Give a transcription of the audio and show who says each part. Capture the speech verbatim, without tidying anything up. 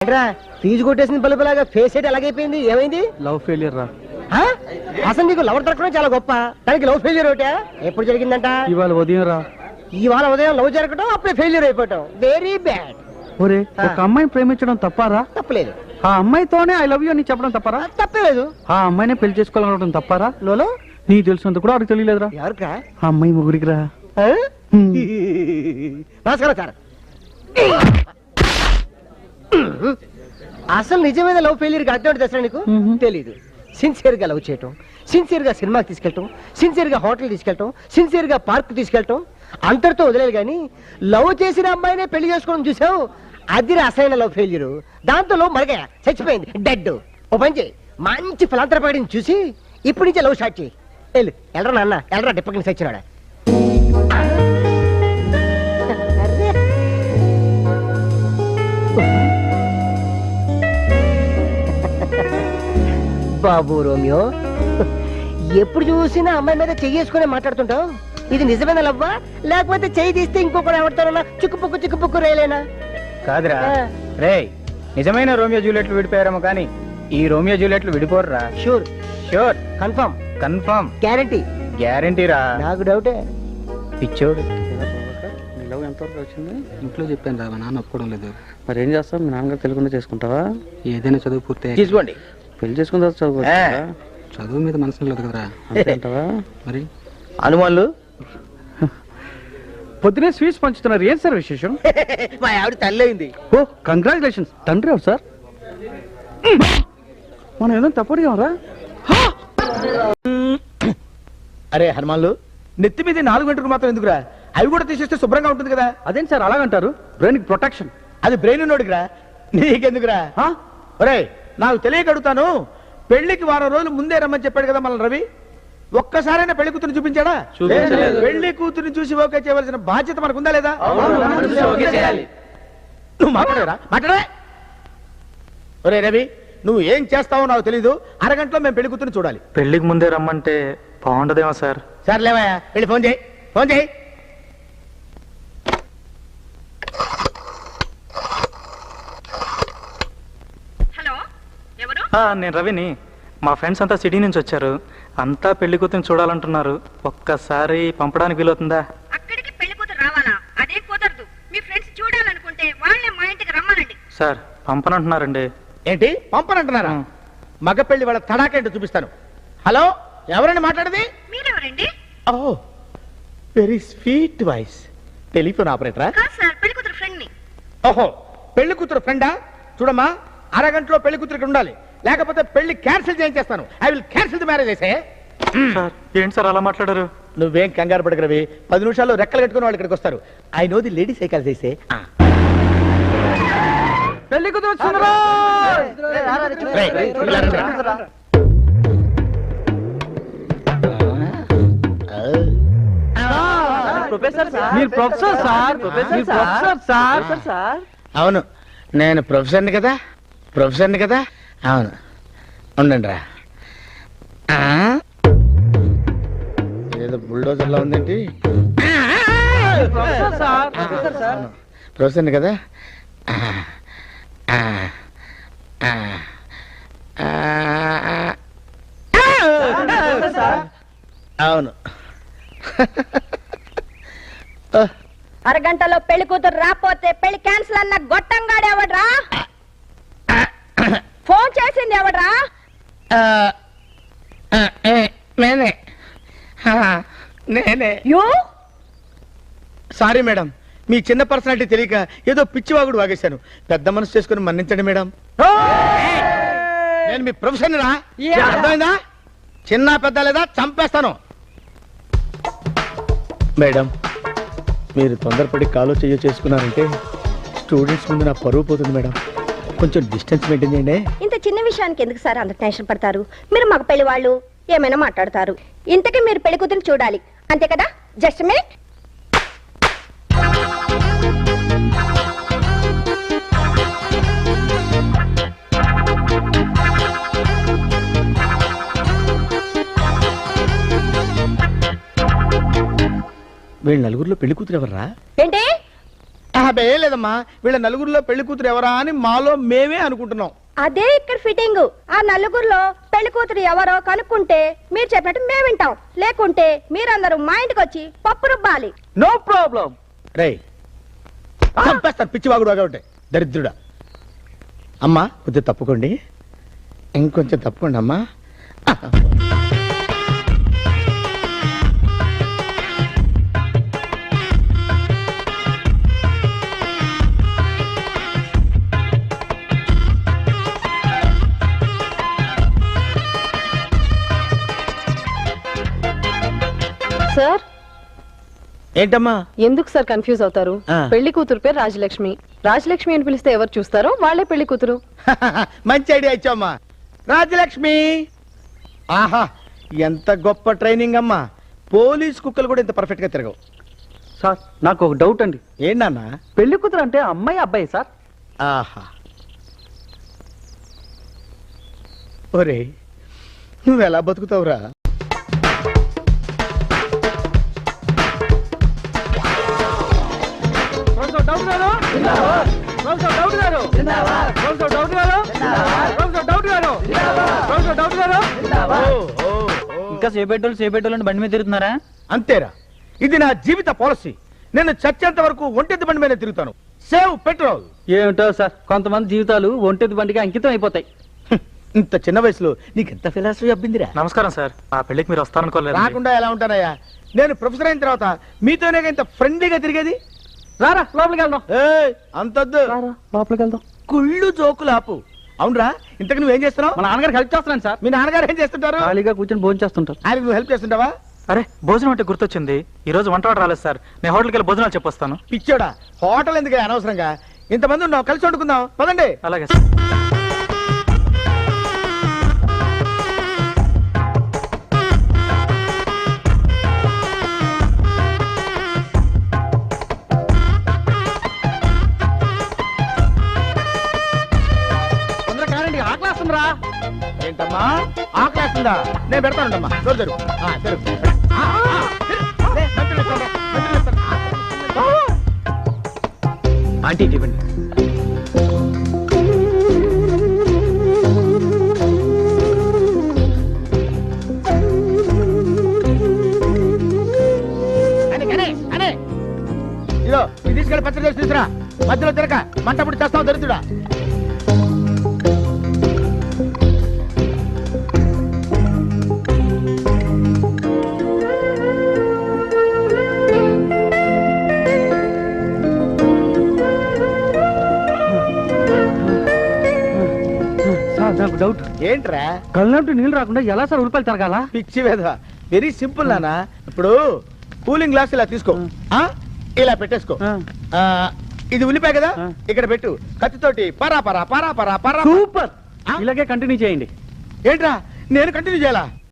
Speaker 1: Fee కొట్టేసిన బలుపులాగా face అయితే ఎలాగైపోయింది? ఏమైంది?
Speaker 2: లవ్ ఫెయిలియర్ రా.
Speaker 1: అసలు నీకు లవర్ దొరకడం చాలా గొప్ప, దానికి లవ్ ఫెయిలియర్ ఒకటా? ఎప్పుడు జరిగిందంట?
Speaker 2: ఇవాళ ఉదయం రా.
Speaker 1: ఇవాళ ఉదయం లవ్ జరగటం, అప్పుడే ఫెయిలియర్ అయిపోవటం. Very bad.
Speaker 2: ఒరే, ఒక అమ్మాయిని ప్రేమించడం తప్పారా?
Speaker 1: తప్పలేదు.
Speaker 2: ఆ అమ్మాయితోనే ఐ లవ్ యూ అని చెప్పడం తప్పారా?
Speaker 1: తప్పలేదు.
Speaker 2: ఆ అమ్మాయినే పెళ్లి చేసుకోవాలనుకోవడం తప్పారా?
Speaker 1: లోలో
Speaker 2: నీకు తెలిసినంత కూడా ఆడికి తెలియలేదురా.
Speaker 1: ఎవరికా?
Speaker 2: ఆ అమ్మాయి ముగ్గురికి రా.
Speaker 1: నమస్కారం సార్. అసలు నిజమైన లవ్ ఫెయిలియర్ అర్థం తెసరా నీకు? తెలీదు. సిన్సియర్ గా లవ్ చేయటం, సిన్సియర్ గా సినిమాకి తీసుకెళ్ళటం, సిన్సియర్ గా హోటల్ తీసుకెళ్ళటం, సిన్సియర్ గా పార్క్ తీసుకెళ్ళటం, అంతటితో వదిలేదు. కానీ లవ్ చేసిన అమ్మాయినే పెళ్లి చేసుకోవడం చూసావు, అది అసలైన లవ్ ఫెయిల్యూర్. దాంతో లవ్ మరగా చచ్చిపోయింది, డెడ్. ఓ పని చేయి, మంచి ఫలాంతరపాడిని చూసి ఇప్పటి నుంచే లవ్ స్టార్ట్ చేయి. వెళ్ళు, ఎల్లరా నాన్న, ఎల్లరా డిప్పకి సచ్చినాడా. బాబు రోమియో, ఎప్పుడు చూసినా అమ్మాయి మీద చెయ్యేసుకునే మాట్లాడుతుంటావు. ఇది నిజమైన లవ్వా, లేకపోతే చెయ్యి తీస్తే ఇంకొకరు ఎవడతారన్నా చుక్కుపుక్కు చుక్కుపుక్కు రేలేనా?
Speaker 3: కాదురా రే, నిజమైన రోమియో జూలియట్లు విడిపోయారేమో కానీ ఈ రోమియో జూలియట్లు విడిపోర్రా.
Speaker 1: Sure
Speaker 3: sure,
Speaker 1: confirm,
Speaker 3: confirm,
Speaker 1: guarantee,
Speaker 3: గ్యారంటీరా.
Speaker 1: నాకు డౌటే.
Speaker 3: పిచ్చోడు.
Speaker 2: లవ్ ఎంతవరకు వచ్చింది? ఇంట్లో చెప్పాను రా, మా నాన్న ఒప్పుకోవడం లేదు. మరి ఏం చేస్తావు? మీ నాన్నగారు తెలియకుండా చేసుకుంటావా? ఏదైనా చదువు పూర్తి
Speaker 3: తీసుకోండి.
Speaker 2: పెళ్లి చేసుకున్న తర్వాత చదువు చదువు మీద మనసు లేదు కదరా. అంతేంటావా? మరి
Speaker 3: హనుమాన్లు
Speaker 2: పొద్దునే స్వీట్స్ పంచుతున్నారు, ఏం సార్ విశేషం?
Speaker 1: మా ఆవిడ తల్లయింది.
Speaker 2: ఓ కంగ్రాచులేషన్స్. తండ్రి ఎవరు సార్? మనం ఏదో తప్పడిగా.
Speaker 3: అరే హనుమాన్లు, నెత్తి మీద నాలుగు గంటలకు మాత్రం ఎందుకురా? అవి కూడా తీసేస్తే శుభ్రంగా ఉంటుంది కదా.
Speaker 2: అదేంటి సార్ అలాగంటారు? Brain protection.
Speaker 3: అది బ్రెయిన్ ఉన్నోడికిరా, నీకెందుకురా? ఒరే, నాకు తెలియక అడుగుతాను, పెళ్లికి వారం రోజులు ముందే రమ్మని చెప్పాడు కదా మన రవి. ఒక్కసారైనా పెళ్లి కూతురు చూపించాడా? పెళ్లి కూతురుని చూసి ఓకే చేయవలసిన బాధ్యత మనకుందా లేదా? నువ్వు మాట్లాడరా? మాట్లాడే. ఒరే రవి, నువ్వు ఏం చేస్తావో నాకు తెలీదు. అరగంటలో మేము పెళ్లి కూతురుని చూడాలి.
Speaker 2: పెళ్లికి ముందే రమ్మంటే బాగుండదేమో సార్.
Speaker 3: సార్ లేవయ్యా, వెళ్ళి ఫోన్ చేయి, ఫోన్ చేయి.
Speaker 2: నేను రవిని. మా ఫ్రెండ్స్ అంతా సిటీ నుంచి వచ్చారు, అంతా పెళ్లి కూతురు చూడాలంటున్నారు. ఒక్కసారి పంపడానికి వీలవుతుందా?
Speaker 4: అక్కడికి పెళ్లి కూతురు రావాలా? అదే కుదరదు. మీ ఫ్రెండ్స్ చూడాలనుకుంటే వాళ్ళే మా ఇంటికి రమ్మనండి.
Speaker 2: సార్ పంపనంటున్నారండి.
Speaker 3: ఏంటి పంపనంటున్నారా? మగ పెళ్లి వాళ్ళ తడాకేంటో చూపిస్తాను. హలో, ఎవరండి మాట్లాడేది?
Speaker 4: మీరెవరండి?
Speaker 3: Oh very sweet voice. Telephone ఆపరేటరా?
Speaker 4: కాదు సార్, పెళ్లి కూతురు ఫ్రెండ్ ని.
Speaker 3: ఓహో, పెళ్లి కూతురు ఫ్రెండా? చూడమ్మా, అరగంటలో పెళ్లి కూతురికి ఉండాలి, లేకపోతే పెళ్లి క్యాన్సిల్ చేయించేస్తాను. I will cancel the marriage. అయితే
Speaker 2: ఏంటి సార్ అలా మాట్లాడారు?
Speaker 3: నువ్వేం కంగారు పడగరవి, పది నిమిషాల్లో రెక్కలు కట్టుకుని వాళ్ళు ఇక్కడికి వస్తారు. I know the lady cycle చేసే.
Speaker 2: పెళ్లి కూతురు
Speaker 3: అవును, నేను ప్రొఫెసర్ని కదా, ప్రొఫెసర్ని కదా. అవును, ఉండండి రా. ఏదో బుల్డోజర్లా ఉందేంటి? ప్రొఫెసర్ని కదా. అవును.
Speaker 4: అరగంటలో పెళ్లి కూతురు రాపోతే పెళ్లి క్యాన్సిల్ అన్న గొట్టంగాడు ఎవడ్రా? ఫోన్ చేసింది ఎవడ్రా?
Speaker 3: నేనే నేనే
Speaker 4: యూ
Speaker 3: సారీ మేడం, మీ చిన్న పర్సనాలిటీ తెలియక ఏదో పిచ్చివాగుడు వాగేశాను. పెద్ద మనసు చేసుకుని మన్నించండి మేడం. నేను మీ ప్రొఫెసర్ రా, అర్థమైందా? చిన్న పెద్ద లేదా చంపేస్తాను. మేడం, మీరు తొందరపడి కాలో చెయ్య చేసుకున్నారంటే స్టూడెంట్స్ ముందు నా పరువు పోతుంది మేడం. కొంచెం డిస్టెన్స్ మెయింటైన్ చేయండి.
Speaker 4: ఇంత చిన్న విషయానికి ఎందుకు సార్ అంత టెన్షన్ పడతారు? మీరు మగ పెళ్లి వాళ్ళు ఏమైనా మాట్లాడతారు. ఇంతకీ మీరు పెళ్లి కూతురు చూడాలి అంతే కదా? Just minute.
Speaker 3: వీళ్ళ నలుగురిలో పెళ్లి కూతురు ఎవర్రా?
Speaker 4: ఏంటి?
Speaker 3: అబ్బే ఏం లేదమ్మా, వీళ్ళ నలుగురిలో పెళ్లి కూతురు ఎవరా అని మాలో మేమే అనుకుంటున్నాం.
Speaker 4: అదే ఇక్కడ ఫిట్టింగ్. ఆ నలుగురిలో పెళ్లి కూతురు ఎవరో కనుక్కుంటే మీరు చెప్పినట్టు మేము వింటాం, లేకుంటే మీరందరూ మా ఇంటికి వచ్చి పప్పు రుబ్బాలి.
Speaker 2: No problem.
Speaker 3: రే చంపేస్తారు పిచ్చి వాగుడు వాగా ఉంటాయి దరిద్రుడా. అమ్మా కొద్దిగా తప్పుకోండి, ఇంకొంచెం తప్పుకోండి అమ్మా.
Speaker 5: సార్
Speaker 3: ఏంటమ్మా
Speaker 5: ఎందుకు సార్ కన్ఫ్యూజ్ అవుతారు?
Speaker 3: ఆ.
Speaker 5: పెళ్లి కూతురు పేరు రాజలక్ష్మి. రాజలక్ష్మి అని పిలిస్తే ఎవరు చూస్తారో వాళ్ళే పెళ్లి కూతురు.
Speaker 3: మంచి ఐడియా ఇచ్చామ్మా. రాజలక్ష్మి, ఆహా ఎంత గొప్ప ట్రైనింగ్ అమ్మా. పోలీస్ కుక్కలు కూడా ఇంత పర్ఫెక్ట్ గా తిరగవు.
Speaker 2: సార్ నాకు ఒక డౌట్ అండి.
Speaker 3: ఏంటన్నా?
Speaker 2: పెళ్లి కూతురు అంటే అమ్మాయి అబ్బాయి సార్?
Speaker 3: ఆహా, ఒరే నువ్వు ఎలా బతుకుతావురా?
Speaker 2: ఇంకా సేపెట్టోళ్ళు సేపెట్టోళ్ళు బండి మీద తిరుగుతున్నారా?
Speaker 3: అంతేరా, ఇది నా జీవిత పాలసీ. నేను చచ్చేంత వరకు ఒంటెద్దు బండి మీద తిరుగుతాను. Save petrol.
Speaker 2: ఏమిటో సార్, కొంతమంది జీవితాలు ఒంటెద్దు బండికి అంకితం అయిపోతాయి.
Speaker 3: ఇంత చిన్న వయసులో నీకెంత ఫిలాసఫీ అబ్బిందిరా?
Speaker 6: నమస్కారం సార్, ఆ పెళ్లికి మీరు వస్తారనుకోలేదు.
Speaker 3: రాకుండా ఎలా ఉంటానయ్యా? నేను ప్రొఫెసర్ అయిన తర్వాత మీతోనే ఇంత ఫ్రెండ్లీగా తిరిగేది.
Speaker 2: రారా లోపలికి వెళ్దాం.
Speaker 3: ఏయ్, అంతొద్దు.
Speaker 2: రారా లోపలికి వెళ్దాం.
Speaker 3: కుళ్ళు జోకులు ఆపు. అవునరా, ఇంతకు నువ్వేం చేస్తున్నావు?
Speaker 2: మా నాన్నగారికి హెల్ప్ చేస్తున్నాను సార్.
Speaker 3: మీ నాన్నగారు ఏం చేస్తుంటారు?
Speaker 2: ఖాళీగా కూర్చొని భోజనం చేస్తుంటారు.
Speaker 3: ఆయనకు నువ్వు హెల్ప్ చేస్తుంటావా?
Speaker 6: అరే భోజనం అంటే గుర్తొచ్చింది, ఈ రోజు వంట వాడు రాలేదు సార్. నేను హోటల్కి వెళ్ళి భోజనాలు చెప్పొస్తాను.
Speaker 3: పిచ్చోడా, హోటల్ ఎందుకు అనవసరంగా? ఇంతమంది ఉన్నావు, కలిసి వండుకుందాం పదండి.
Speaker 6: అలాగే సార్.
Speaker 2: తొందరగా కారండి, ఆకలేస్తుందిరా.
Speaker 3: ఏంటమ్మా ఆకలేస్తుందా? నేను పెడతానుండమ్మా. జరుగు జరుగు. ఆ, జరుగు. ఆ, ఆ, లే, మంచులు ఇస్తాను, మంచులు ఇస్తాను. ఆంటీ ఇవ్వండి. ఇదో ఇది తీసుకెళ్ళి పచ్చడి చేసి తీసురా. మధ్యలో తిరక మంటప్పుడు చేస్తావు దరిద్రుడా.
Speaker 2: నాకు డౌట్.
Speaker 3: ఏంట్రా?
Speaker 2: కళ్ళంటూ నీళ్ళు రాకుండా ఎలా సార్ ఉల్లిపాయలు తిరగాల?
Speaker 3: పిచ్చి వేధ. వెరీ సింపుల్ నానా. ఇప్పుడు కూలింగ్ గ్లాస్ ఇలా తీసుకో, ఆ ఇలా పెట్టేసుకో. ఆ, ఇది ఉల్లిపాయ కదా, ఇక్కడ పెట్టు. కత్తితోటి పరా పరా పరా పరా పరా.
Speaker 2: సూపర్, ఇలాగే కంటిన్యూ చేయండి.
Speaker 3: ఏంట్రా నేను కంటిన్యూ చేయాలా?